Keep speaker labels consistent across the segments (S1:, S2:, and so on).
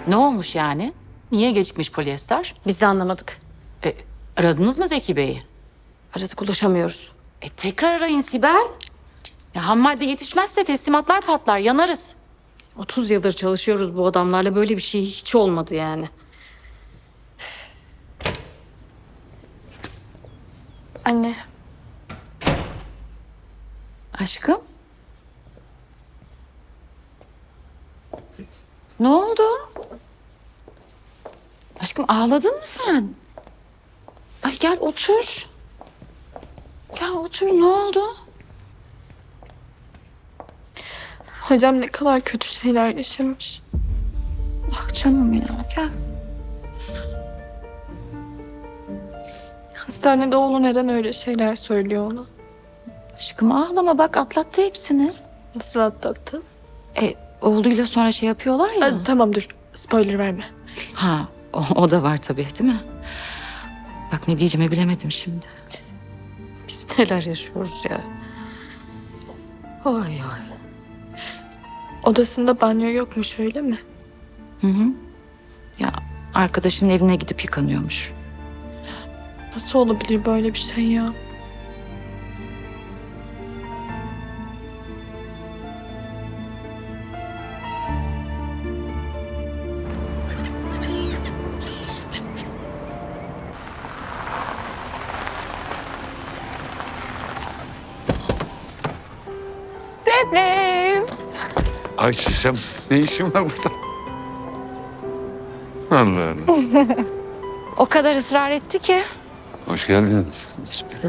S1: Ne olmuş yani? Niye gecikmiş polyester?
S2: Biz de anlamadık.
S1: Aradınız mı Zeki Bey'i?
S2: Aradık, ulaşamıyoruz.
S1: Tekrar arayın Sibel. Ya, ham madde yetişmezse teslimatlar patlar, yanarız.
S2: 30 yıldır çalışıyoruz bu adamlarla. Böyle bir şey hiç olmadı yani.
S3: Anne,
S1: Aşkım. Ne oldu? Aşkım ağladın mı sen? Ay gel otur. Gel otur, ne oldu?
S3: hocam ne kadar kötü şeyler yaşamış.
S1: Ah canım ya, gel.
S3: Hastanede oğlu neden öyle şeyler söylüyor ona?
S1: Aşkım ağlama, bak atlattı hepsini.
S3: Nasıl atlattı?
S1: Oğluyla sonra şey yapıyorlar ya.
S3: Tamam dur, spoiler verme.
S1: Ha, o da var tabii, değil mi? Bak ne diyeceğimi bilemedim şimdi.
S2: Biz neler yaşıyoruz ya.
S1: Oy oy.
S3: Odasında banyo yokmuş, öyle mi?
S1: Hı hı. Ya arkadaşının evine gidip yıkanıyormuş.
S3: Nasıl olabilir böyle bir şey ya? Sürpriz!
S4: Ay Şişem, ne işin var burada? Allah Allah.
S1: O kadar ısrar etti ki.
S4: Hoş geldiniz.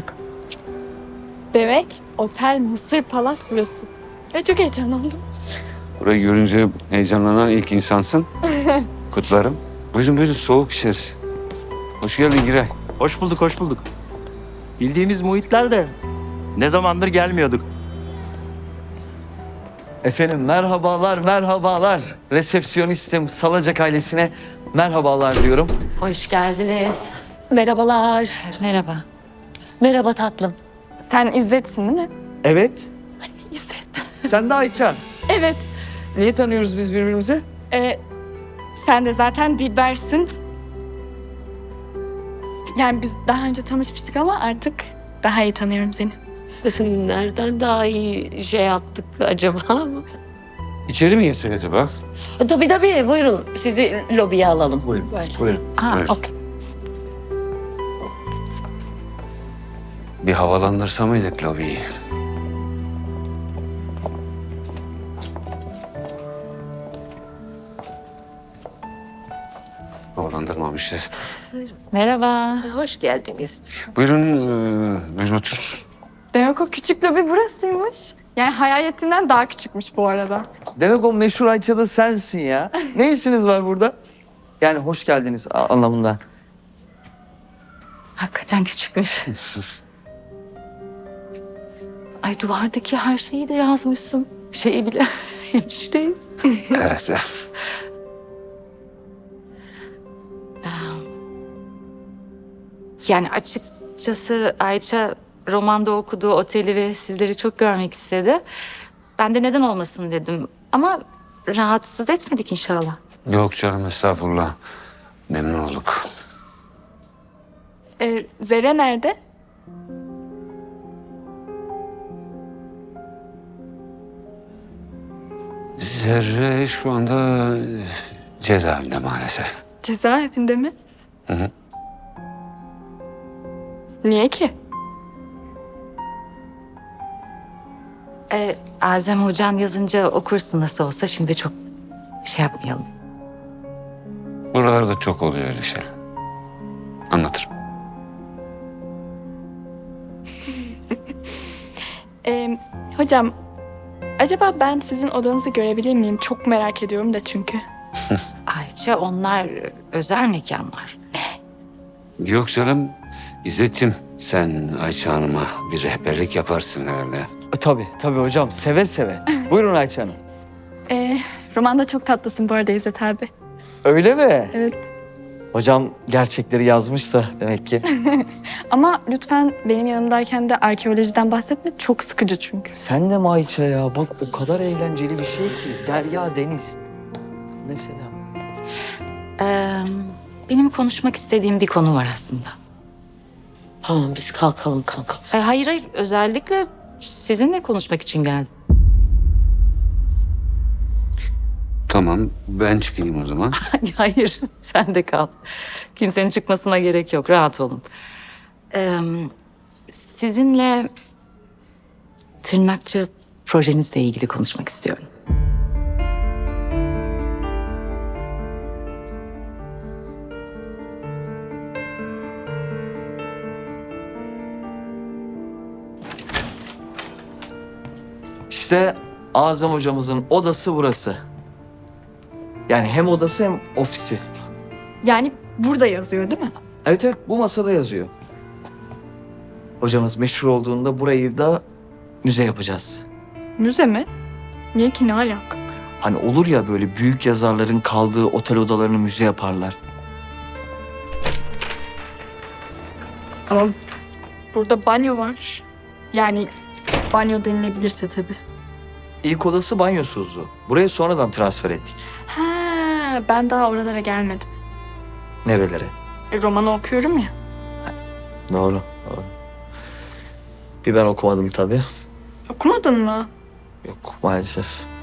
S3: Demek Otel Mısır Palas burası. Çok heyecanlandım.
S4: Burayı görünce heyecanlanan ilk insansın. Kutlarım. Buyurun buyurun, soğuk içeriz. Hoş geldin Giray.
S5: Hoş bulduk, hoş bulduk. Bildiğimiz muhitler de ne zamandır gelmiyorduk.
S6: Efendim merhabalar, merhabalar. Resepsiyonistim Salacak ailesine merhabalar diyorum.
S2: Hoş geldiniz.
S1: Merhabalar. Merhaba.
S2: Merhaba tatlım.
S3: Sen İzzet'sin değil mi?
S6: Evet,
S3: İzzet.
S6: sen de Ayça.
S3: Evet.
S6: Niye tanıyoruz biz birbirimizi?
S3: Sen de zaten Dilber'sin. Yani biz daha önce tanışmıştık ama artık daha iyi tanıyorum seni.
S2: Nereden daha iyi şey yaptık acaba?
S4: İçeri mi geçsek acaba?
S2: Tabii tabii, buyurun. Sizi lobiye alalım.
S6: Buyurun,
S2: Böyle.
S6: buyurun.
S1: Ha,
S4: Evet.
S1: okey.
S4: Bir havalandırsa mıydık lobiyi? Havalandırmamışız.
S1: Merhaba.
S2: Hoş geldiniz.
S4: Buyurun, buyurun otur.
S3: Demek o küçük lobi burasıymış. Yani hayal ettiğimden daha küçükmüş bu arada.
S6: Demek o meşhur Ayça da sensin ya. Ne işiniz var burada? Yani hoş geldiniz anlamında.
S1: Hakikaten küçükmüş. Ay duvardaki her şeyi de yazmışsın. Şeyi bile hemşireyi.
S4: Evet.
S1: Yani açıkçası Ayça romanda okuduğu oteli ve sizleri çok görmek istedi. Ben de neden olmasın dedim. Ama rahatsız etmedik inşallah.
S4: Yok canım, estağfurullah. Memnun olduk.
S3: Zerre nerede?
S4: Zerre şu anda cezaevinde maalesef.
S3: Cezaevinde mi?
S4: Hı hı.
S3: Niye ki?
S1: Azem Hocan yazınca okursun nasıl olsa. Şimdi çok şey yapmayalım.
S4: Buralarda çok oluyor öyle şey. Anlatırım.
S3: Hocam, acaba ben sizin odanızı görebilir miyim? Çok merak ediyorum da çünkü.
S1: Ayça onlar özel mekanlar.
S4: Yok canım. İzzet'ciğim, sen Ayça Hanım'a bir rehberlik yaparsın herhalde.
S6: Tabii hocam, seve seve. Buyurun Ayça Hanım.
S3: Romanda çok tatlısın bu arada İzzet abi.
S6: Öyle mi?
S3: Evet.
S6: Hocam gerçekleri yazmışsa demek ki.
S3: Ama lütfen benim yanımdayken de arkeolojiden bahsetme. Çok sıkıcı çünkü.
S6: Sen de mi Ayça ya? Bak o kadar eğlenceli bir şey ki. Derya, deniz. Mesela.
S1: Benim konuşmak istediğim bir konu var aslında.
S7: Tamam biz kalkalım kanka.
S1: Hayır, özellikle sizinle konuşmak için geldim.
S4: Tamam, ben çıkayım o zaman.
S1: Hayır, sen de kal. Kimsenin çıkmasına gerek yok, rahat olun. Sizinle tırnakçı projenizle ilgili konuşmak istiyorum.
S6: İşte Azam hocamızın odası burası. Yani hem odası hem ofisi.
S3: Yani burada yazıyor değil mi?
S6: Evet evet, bu masada yazıyor. Hocamız meşhur olduğunda burayı da müze yapacağız.
S3: Müze mi? Niye ki, ne alaka?
S6: Hani olur ya, böyle büyük yazarların kaldığı otel odalarını müze yaparlar.
S3: Ama burada banyo var. Yani banyo denilebilirse tabii.
S6: İlk odası banyosuzdu. Buraya sonradan transfer ettik.
S3: Ha, ben daha oralara gelmedim.
S6: Nerelere?
S3: Romanı okuyorum ya.
S6: Doğru, doğru. Bir ben okumadım tabii.
S3: Okumadın mı?
S6: Yok maalesef.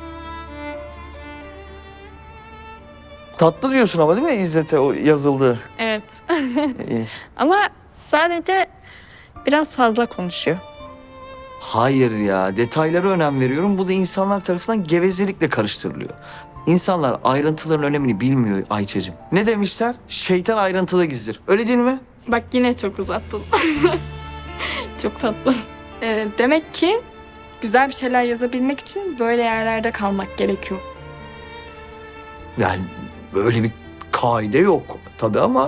S6: Tatlı diyorsun ama değil mi İzzet'e o yazıldı?
S3: Evet.
S6: İyi.
S3: Ama sadece biraz fazla konuşuyor.
S6: Hayır ya, detaylara önem veriyorum. Bu da insanlar tarafından gevezelikle karıştırılıyor. İnsanlar ayrıntıların önemini bilmiyor Ayça'cığım. Ne demişler? Şeytan ayrıntıda gizlir. Öyle değil mi?
S3: Bak yine çok uzattın. Çok tatlı. Demek ki güzel bir şeyler yazabilmek için böyle yerlerde kalmak gerekiyor.
S6: Yani böyle bir kaide yok tabii ama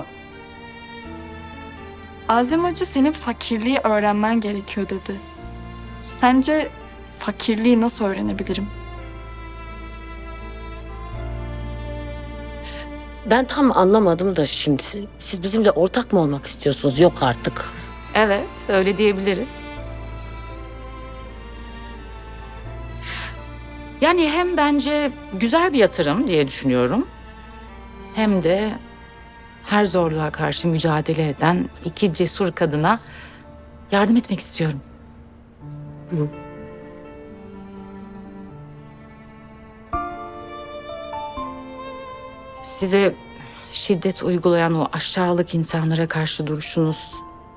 S3: Azem Hoca senin fakirliği öğrenmen gerekiyor dedi. Sence fakirliği nasıl öğrenebilirim?
S7: Ben tam anlamadım da şimdi. Siz bizimle ortak mı olmak istiyorsunuz? Yok artık.
S1: Evet, öyle diyebiliriz. Yani hem bence güzel bir yatırım diye düşünüyorum. Hem de her zorluğa karşı mücadele eden iki cesur kadına yardım etmek istiyorum. Size şiddet uygulayan o aşağılık insanlara karşı duruşunuz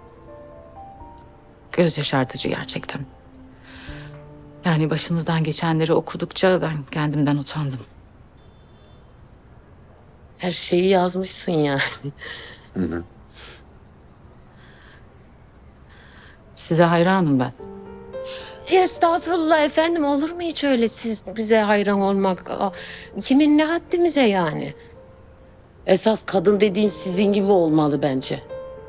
S1: göz yaşartıcı gerçekten. Yani başınızdan geçenleri okudukça ben kendimden utandım.
S7: Her şeyi yazmışsın yani.
S1: Size hayranım ben.
S7: Estağfurullah efendim, olur mu hiç öyle siz bize hayran olmak? Kimin ne haddimize yani? Esas kadın dediğin sizin gibi olmalı bence.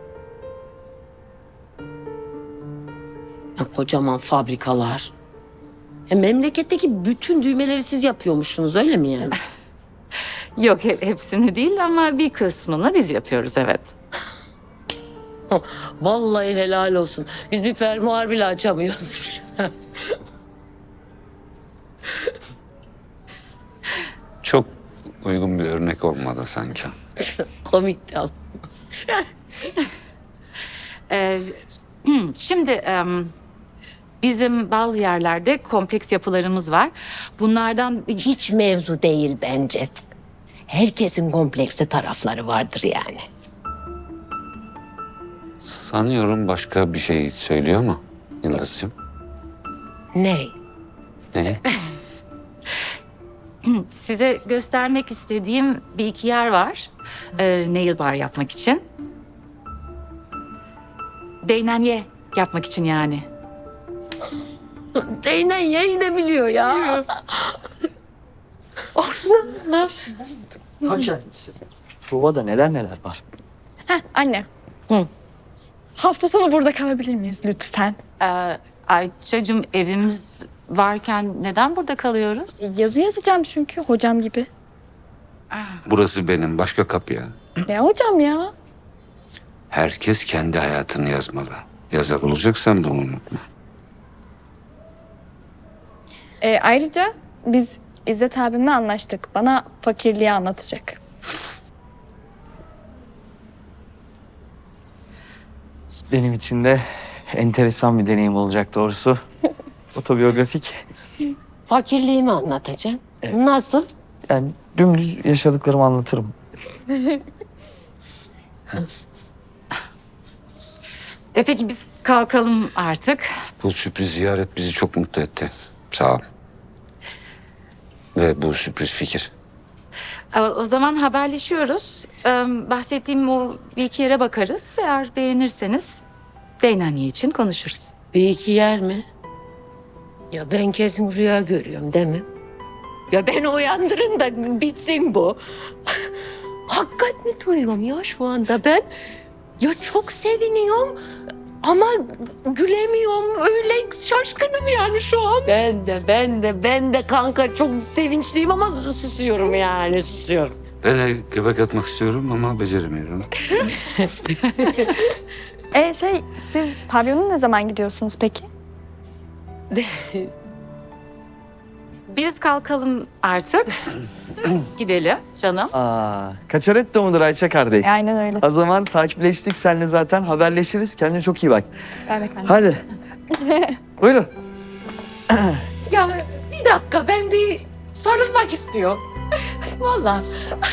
S7: Ya, kocaman fabrikalar. Memleketteki bütün düğmeleri siz yapıyormuşsunuz, öyle mi yani?
S1: Yok hepsini değil ama bir kısmını biz yapıyoruz, evet.
S7: Vallahi helal olsun. Biz bir fermuar bile açamıyoruz.
S4: Çok uygun bir örnek olmadı sanki.
S7: Komik ya.
S1: Şimdi bizim bazı yerlerde kompleks yapılarımız var. Bunlardan
S7: Hiç mevzu değil bence. Herkesin kompleksli tarafları vardır yani.
S4: Sanıyorum başka bir şey söylüyor mu Yıldız'cığım?
S7: Ne?
S4: Ne?
S1: size göstermek istediğim bir iki yer var. Nail bar yapmak için. Değnenye yapmak için yani.
S7: Değnen yayı da biliyor ya.
S6: kaç tanesi? Prova'da neler neler var.
S3: Heh, anne. Hafta sonu burada kalabilir miyiz lütfen?
S1: Ayça'cığım, evimiz varken neden burada kalıyoruz?
S3: Yazı yazacağım çünkü hocam gibi.
S4: Burası benim, başka kapıya.
S3: Ne hocam ya?
S4: Herkes kendi hayatını yazmalı. Yazar olacaksan bunu unutma.
S3: Ayrıca biz İzzet abimle anlaştık. Bana fakirliği anlatacak.
S6: Benim için de enteresan bir deneyim olacak doğrusu. Otobiyografik.
S7: Fakirliğimi anlatacağım. Nasıl?
S6: Yani dümdüz yaşadıklarımı anlatırım.
S1: Peki biz kalkalım artık.
S4: Bu sürpriz ziyaret bizi çok mutlu etti. Sağ ol. Ve bu sürpriz fikir.
S1: O zaman haberleşiyoruz. Bahsettiğim o bir iki yere bakarız. Eğer beğenirseniz Deynaniye için konuşuruz.
S7: Bir iki yer mi? Ya ben kesin rüya görüyorum değil mi? Ya beni uyandırın da bitsin bu. Hakikat mi duyuyorum ya şu anda ben? Ya çok seviniyorum ama gülemiyorum. Öyle şaşkınım yani şu an. Ben de kanka çok sevinçliyim ama susuyorum yani susuyorum.
S4: Ben de göbek atmak istiyorum ama beceremiyorum.
S3: Siz pavyona ne zaman gidiyorsunuz peki?
S1: Biz kalkalım artık. Gidelim canım.
S6: Kaçaretto mudur Ayça kardeş?
S3: Aynen öyle.
S6: O zaman takipleştik seninle zaten haberleşiriz. Kendine çok iyi bak.
S3: Ben de kendim.
S6: Hadi. Buyurun.
S7: Ya bir dakika ben bir sarılmak istiyorum. Vallahi.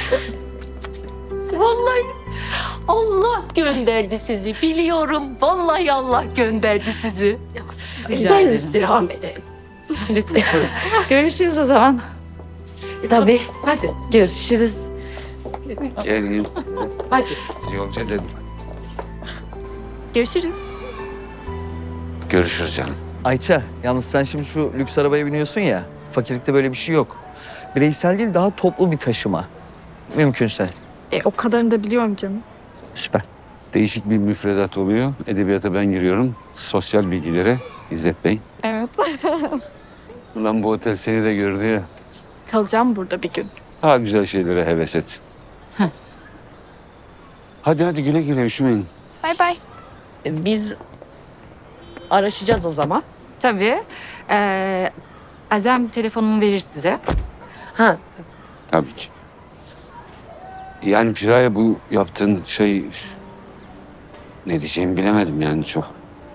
S7: Vallahi Allah gönderdi sizi biliyorum. Vallahi Allah gönderdi sizi.
S1: Rica
S7: Ben
S1: ederim.
S7: istirham edeyim.
S1: Lütfen. Görüşürüz o zaman.
S7: Tabii. Hadi görüşürüz.
S4: Geleyim.
S7: Hadi.
S4: Yolcu dedim.
S3: Görüşürüz.
S4: Görüşürüz canım.
S6: Ayça, yalnız sen şimdi şu lüks arabaya biniyorsun ya. Fakirlikte böyle bir şey yok. Bireysel değil, daha toplu bir taşıma. Mümkünse.
S3: O kadarını da biliyorum canım.
S6: Süper.
S4: Değişik bir müfredat oluyor. Edebiyata ben giriyorum. Sosyal bilgilere İzzet Bey.
S3: Evet.
S4: Ulan bu otel seni de gördü ya.
S3: Kalacağım burada bir gün.
S4: Daha güzel şeylere heves et. Hadi güle güle üşümeyin.
S3: Bay bay.
S7: Biz araşacağız o zaman.
S1: Tabii. Azem telefonumu verir size.
S7: Ha.
S4: Tabii ki. Yani Piraya bu yaptığın şey... Ne diyeceğimi bilemedim yani çok.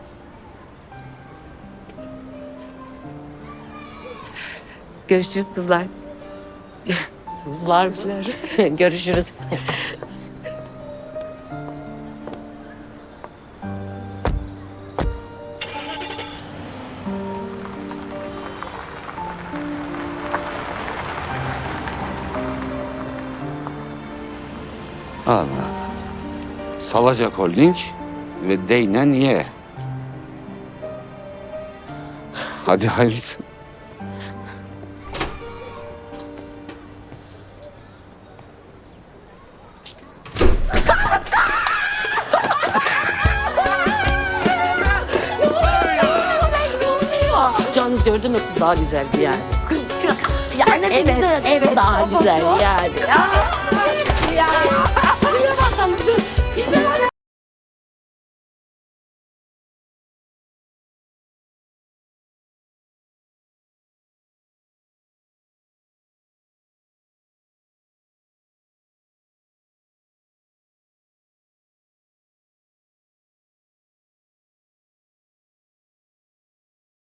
S1: Görüşürüz kızlar.
S7: Kızlar görüşürüz.
S4: Allah. Salacak Holding ve Deynen Ye. Hadi hayırlısı.
S7: Yalnız gördün mü kız daha güzeldi yani. Kız yani evet, daha güzel yani. Ya.